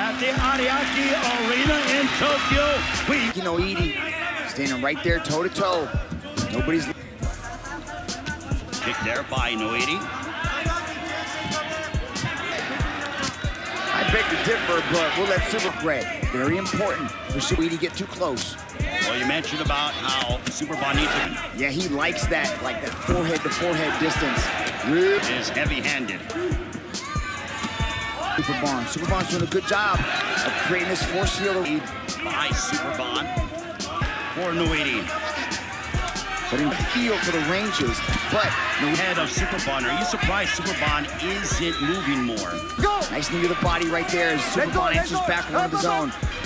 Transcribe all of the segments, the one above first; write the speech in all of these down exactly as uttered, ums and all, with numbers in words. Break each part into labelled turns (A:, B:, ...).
A: at the Ariake Arena in Tokyo. We
B: You know, Edie standing right there toe to toe. Nobody's
A: kick there by Noiti.
B: I beg to differ, but we'll let Super Greg. Very important for Super to get too close.
A: Well, you mentioned about how Superbon needs to
B: Yeah, he likes that, like that forehead to forehead distance.
A: is heavy-handed.
B: Superbon. Superbon's doing a good job of creating this force field.
A: By Superbon for Noiti.
B: But in the feel for the ranges. But no
A: Head of Superbon. Are you surprised Superbon isn't moving more?
B: go. Nice knee to the body right there as Superbon answers back one of his own.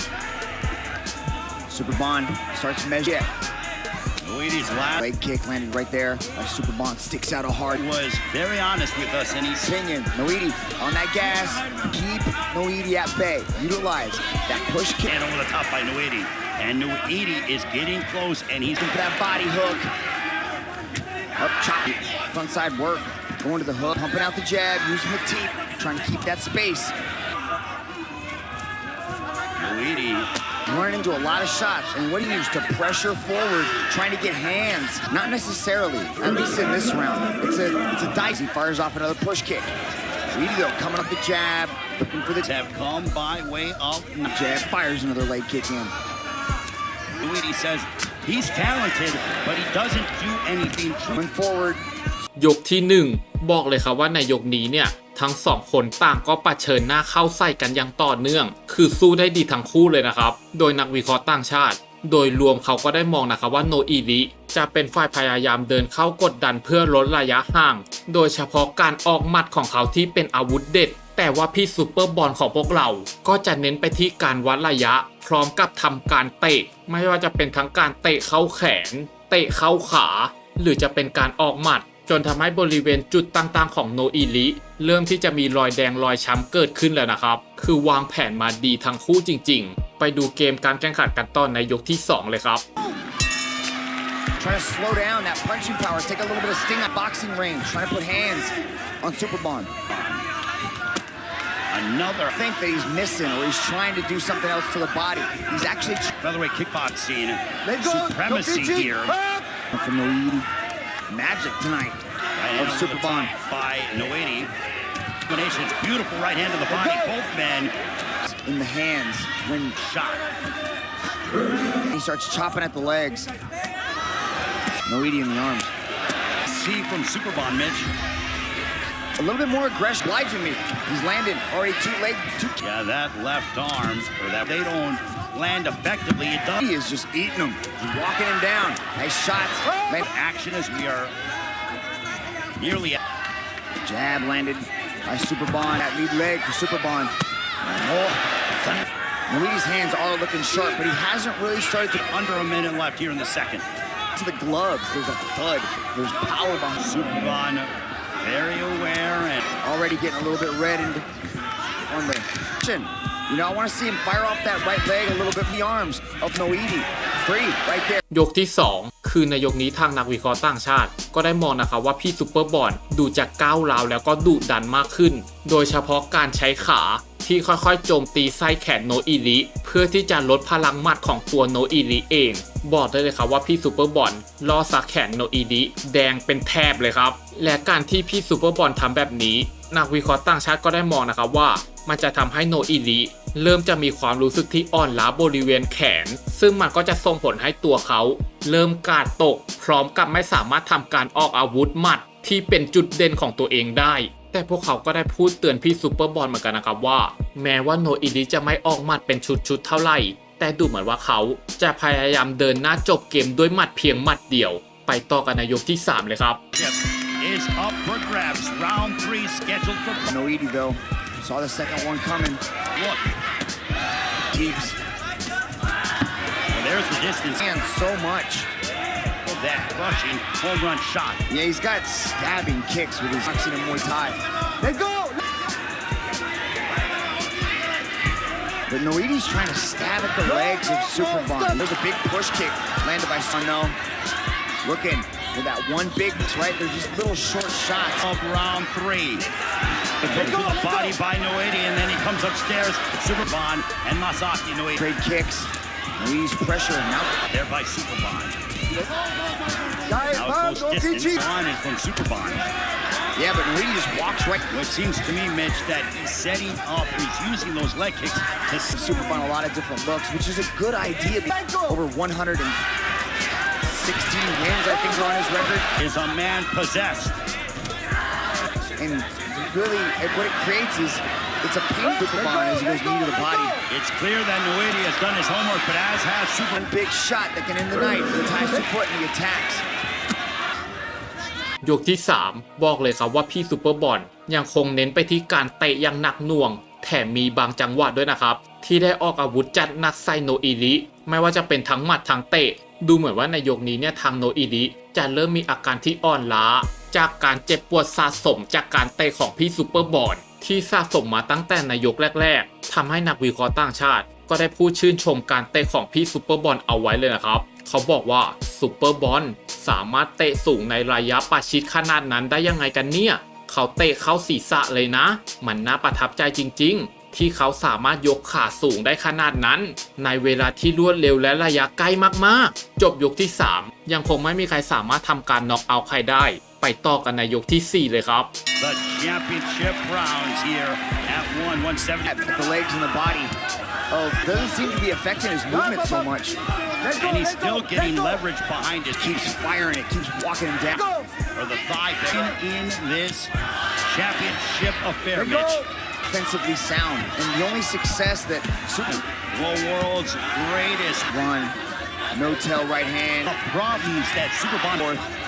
B: Superbon starts to measure. Yeah.
A: Noiti's last
B: Leg kick landed right there. By Superbon sticks out a hard
A: was very honest with us, and he's
B: opinion. Noiti on that gas. Keep Noiti at bay. Utilize that push kick
A: and over the top by Noiti. And Noiti is getting close, and he's
B: for that body hook. Up chop. Front side work. Going to the hook. Pumping out the jab. Using the teep. Trying to keep that space.
A: Noiti.
B: Running into a lot of shots. And what do you use to pressure forward? Trying to get hands. Not necessarily. At least in this round. It's a it's a dice. He fires off another push kick. Noiti though coming up the jab. Looking for the
A: have come by way of
B: jab. Fires another leg kick in.
A: Noiti says he's talented, but he doesn't do anything.
B: Going forward.
C: ยกที่หนึ่งบอกเลยครับว่าในยกนี้เนี่ยทั้งสองคนต่างก็ปะเชิญหน้าเข้าใส่กันอย่างต่อเนื่องคือสู้ได้ดีทั้งคู่เลยนะครับโดยนักวิเคราะห์ต่างชาติโดยรวมเขาก็ได้มองนะครับว่าโนอิริจะเป็นฝ่ายพยายามเดินเข้ากดดันเพื่อลดระยะห่างโดยเฉพาะการออกหมัดของเขาที่เป็นอาวุธเด็ดแต่ว่าพี่ซูเปอร์บอลของพวกเราก็จะเน้นไปที่การวัดระยะพร้อมกับทำการเตะไม่ว่าจะเป็นทั้งการเตะเข้าแขนเตะเข้าขาหรือจะเป็นการออกหมัดจนทำให้บริเวณจุดต่างๆของโนอิริเริ่มที่จะมีรอยแดงรอยช้ำเกิดขึ้นแล้วนะครับคือวางแผนมาดีทั้งคู่จริงๆไปดูเกมการแข่งขันกันต่อในยกที่สองเลยครับ
B: Trying to slow down that punching power, take a little bit of sting at boxing range, trying to put hands on Superbon.
A: Another
B: I think that he's missing or he's trying to do something else to the body. He's actually
A: featherweight kickboxing
B: go,
A: supremacy
B: go,
A: here.
B: From Noiti. Magic tonight
A: right
B: of Superbon.
A: By Noiti. Combination, it's beautiful right hand to the body. Both men
B: in the hands when
A: shot.
B: He starts chopping at the legs. Noiti in the arms.
A: See from Superbon, Mitch.
B: A little bit more aggression, obliging me. He's landed already two leg, two.
A: Yeah, that left arm, or that they don't land effectively. It does.
B: He is just eating him. He's walking him down. Nice shots.
A: Man, action as we are nearly.
B: Jab landed by Superbon. That lead leg for Superbon. Oh, Noiti's hands are looking sharp, but he hasn't really started to.
A: Under a minute left here in the second.
B: To the gloves, there's a thud. There's power behind
A: Superbon. Very aware and
B: already getting a little bit red in, on the chin. You know, I want to see him fire off that right leg a little bit in the arms of Noiti. Three, right there.
C: ยกที่สองคือในยกนี้ทางนักวิเคราะห์ต่างชาติก็ได้มองนะครับว่าพี่ซูเปอร์บอลดูจะก้าวร้าวแล้วก็ดุดันมากขึ้นโดยเฉพาะการใช้ขาที่ค่อยๆโจมตีไส้แขนโนอิริเพื่อที่จะลดพลังหมัดของตัวโนอิริเองบอกได้เลยครับว่าพี่ซูเปอร์บอลล่อสักแขนโนอิริแดงเป็นแถบเลยครับและการที่พี่ซูเปอร์บอลทำแบบนี้นักวิเคราะห์ต่างชาติก็ได้มองนะครับว่ามันจะทำให้โนอิริเริ่มจะมีความรู้สึกที่อ่อนล้าบริเวณแขนซึ่งมันก็จะส่งผลให้ตัวเขาเริ่มกาดตกพร้อมกับไม่สามารถทำการออกอาวุธหมัดที่เป็นจุดเด่นของตัวเองได้แต่พวกเขาก็ได้พูดเตือนพี่ซูเปอร์บอลเหมือนกันนะครับว่าแม้ว่าโนอิริจะไม่ออกหมัดเป็นชุดๆเท่าไหร่แต่ดูเหมือนว่าเขาจะพยายามเดินหน้าจบเกมด้วยหมัดเพียงหมัดเดียวไปต่อกันในยกที่สามเลยครับ
A: is up for grabs. Round three scheduled for.
B: Noiti though saw the second one coming.
A: Look.
B: Keeps.
A: Well, there's the distance.
B: And so much.
A: That rushing home run shot.
B: Yeah, he's got stabbing kicks with his boxing and Muay Thai. Let's go! But Noiti's trying to stab at the legs of Superbon. There's a big push kick landed by Sano. Looking for that one big, right? They're just little short shots.
A: Of round three. To the body by Noiti, and then he comes upstairs. Superbon and Masaki Noiti.
B: Great kicks. Noiti's pressure now.
A: There by Superbon. Now it goes distance on and from Superbon.
B: Yeah, but Noiti just walks right.
A: It seems to me, Mitch, that he's setting up, he's using those leg kicks to
B: Superbon a lot of different looks, which is a good idea. Over one hundred sixteen wins, I think, are on his record.
A: Is a man possessed.
B: And really, what it creates is, it's a pain Superbon as he goes knee to the body.
A: It's clear that Noiti has done his homework, but as has Super.
B: One big shot that can end the night. He ties the foot and he attacks.
C: ยกที่สามบอกเลยครับว่าพี่ซูเปอร์บอลยังคงเน้นไปที่การเตะอย่างหนักหน่วงแถมมีบางจังหวะด้วยนะครับที่ได้ออกอาวุธจัดหนักใส่โนอิริไม่ว่าจะเป็นทั้งหมัดทั้งเตะดูเหมือนว่าในยกนี้เนี่ยทางโนอิริจะเริ่มมีอาการที่อ่อนล้าจากการเจ็บปวดสะสมจากการเตะของพี่ซูเปอร์บอลที่สะสมมาตั้งแต่ในยกแรกๆทำให้นักวิเคราะห์ต่างชาติก็ได้พูดชื่นชมการเตะของพี่ซูเปอร์บอลเอาไว้เลยนะครับเขาบอกว่าซูเปอร์บอลสามารถเตะสูงในระยะประชิดขนาดนั้นได้ยังไงกันเนี่ยเขาเตะเข้าศีรษะเลยนะมันน่าประทับใจจริงๆที่เขาสามารถยกขาสูงได้ขนาดนั้นในเวลาที่รวดเร็วและระยะใกล้มากๆจบยกที่สามยังคงไม่มีใครสามารถทำการน็อกเอาท์ใครได้ไปต่อกันในยกที่สี่เลยครับ
A: The championship rounds here at one seventy.
B: The legs and the body. Oh, doesn't seem to be affecting his movement so much.
A: And he's still getting leverage behind it.
B: Keeps firing it, keeps walking him down.
A: For the thigh in this championship affair, Mitch.
B: Defensively sound, and the only success that Super
A: The world's greatest
B: run, no tail right hand.
A: The problems that Superbon.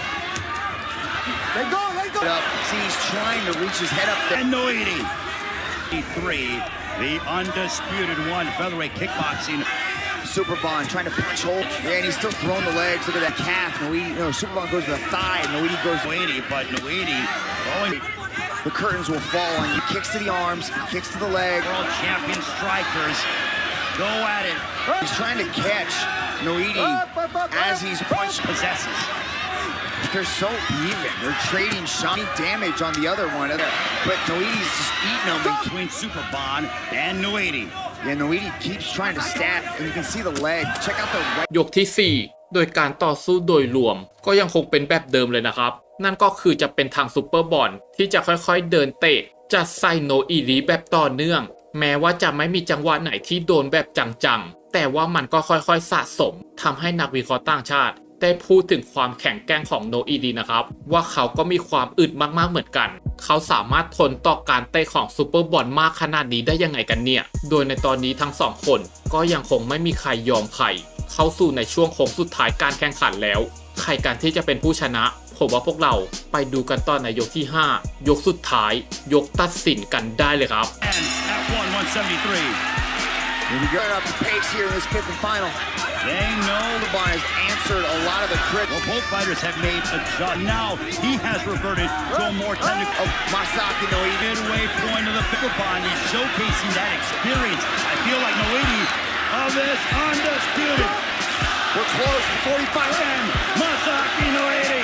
B: Let go, let go. Up. See, he's trying to reach his head up there.
A: And Noiti. Three, the undisputed one featherweight kickboxing.
B: Superbon trying to punch hole. Yeah, and he's still throwing the legs. Look at that calf. Noiti, no, Superbon goes to the thigh. Noiti goes to
A: Noiti, but Noiti going.
B: The curtains will fall on you. Kicks to the arms, kicks to the leg.
A: World champion strikers go at it.
B: He's trying to catch Noiti as he's punched.
A: Possesses.
B: They're so even. They're trading shiny damage on the other one. But Noiti's just eating them.
A: Between Superbon and Noiti.
B: Yeah, Noiti keeps trying to stab, and you can see the leg. Check out the right.
C: ยกที่สี่โดยการต่อสู้โดยรวมก็ยังคงเป็นแบบเดิมเลยนะครับนั่นก็คือจะเป็นทางซูเปอร์บอลที่จะค่อยๆเดินเตะจัดใส่โนอิริแบบต่อเนื่องแม้ว่าจะไม่มีจังหวะไหนที่โดนแบบจังๆแต่ว่ามันก็ค่อยๆสะสมทำให้นักวิเคราะห์ต่างชาติได้พูดถึงความแข็งแกร่งของโนอิรินะครับว่าเขาก็มีความอึดมากๆเหมือนกันเขาสามารถทนต่อการเตะของซูเปอร์บอลมากขนาดนี้ได้ยังไงกันเนี่ยโดยในตอนนี้ทั้งสองคนก็ยังคงไม่มีใครยอมใครเข้าสู่ในช่วงโค้งสุดท้ายการแข่งขันแล้วใครกันที่จะเป็นผู้ชนะผมว่าพวกเราไปดูกันต่อในยกที่ห้ายกสุดท้ายยกตัดสินกันได้เลยครับ
A: And at one seventy-three.
B: Here we go up the pace here in this fifth and final.
A: They know
B: Superbon has answered a lot of the critics.
A: well, both fighters have made a judge. Now he has reverted to a more technical.
B: Oh, Masaki Noiti.
A: Midway point of the Superbon. He's showcasing that experience. I feel like Noiti of this undisputed.
B: We're close. forty-five.
A: And Masaki Noiti.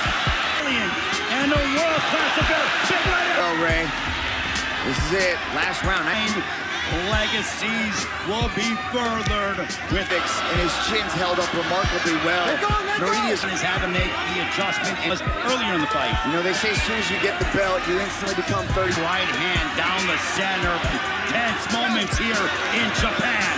A: And a world class affair. Big right
B: Oh, Ray. This is it. Last round. I mean,
A: legacies will be furthered with
B: Fix, and his chin's held up remarkably well. Noiti is,
A: is having to make the adjustment as earlier in the fight.
B: you know, they say as soon as you get the belt, you instantly become thirty.
A: Right hand down the center. Tense moments here in Japan.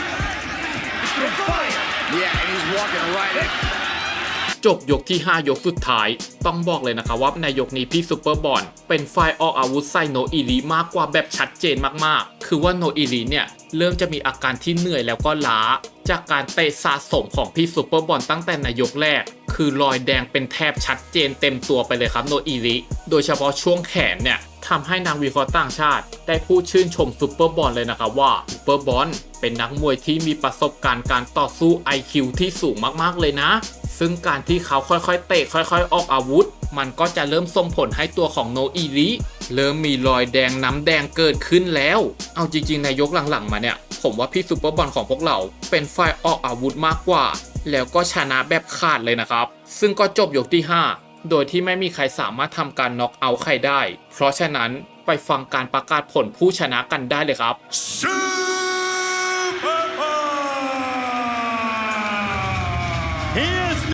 A: Fire.
B: Yeah, and he's walking right in.
C: จบยกที่ห้ายกสุดท้ายต้องบอกเลยนะครับว่าในยกนี้พี่ซูเปอร์บอลเป็นฝ่ายออกอาวุธใส่โนอิริมากกว่าแบบชัดเจนมากๆคือว่าโนอิริเนี่ยเริ่มจะมีอาการที่เหนื่อยแล้วก็ล้าจากการเตะสะสมของพี่ซูเปอร์บอลตั้งแต่ในยกแรกคือรอยแดงเป็นแทบชัดเจนเต็มตัวไปเลยครับโนอิริโดยเฉพาะช่วงแขนเนี่ยทำให้นักวิเคราะห์ต่างชาติได้พูดชื่นชมซูเปอร์บอลเลยนะครับว่าซูเปอร์บอลเป็นนักมวยที่มีประสบการณ์การต่อสู้ ไอ คิว ที่สูงมากๆเลยนะซึ่งการที่เขาค่อยๆเตะค่อยๆออกอาวุธมันก็จะเริ่มส่งผลให้ตัวของโนอิริเริ่มมีรอยแดงน้ำแดงเกิดขึ้นแล้วเอาจริงๆในยกหลังๆมาเนี่ยผมว่าพี่ซูเปอร์บอลของพวกเราเป็นฝ่ายออกอาวุธมากกว่าแล้วก็ชนะแบบขาดเลยนะครับซึ่งก็จบยกที่ห้าโดยที่ไม่มีใครสามารถทำการน็อกเอาท์ใครได้เพราะฉะนั้นไปฟังการประกาศผลผู้ชนะกันได้เลยครับ
A: He is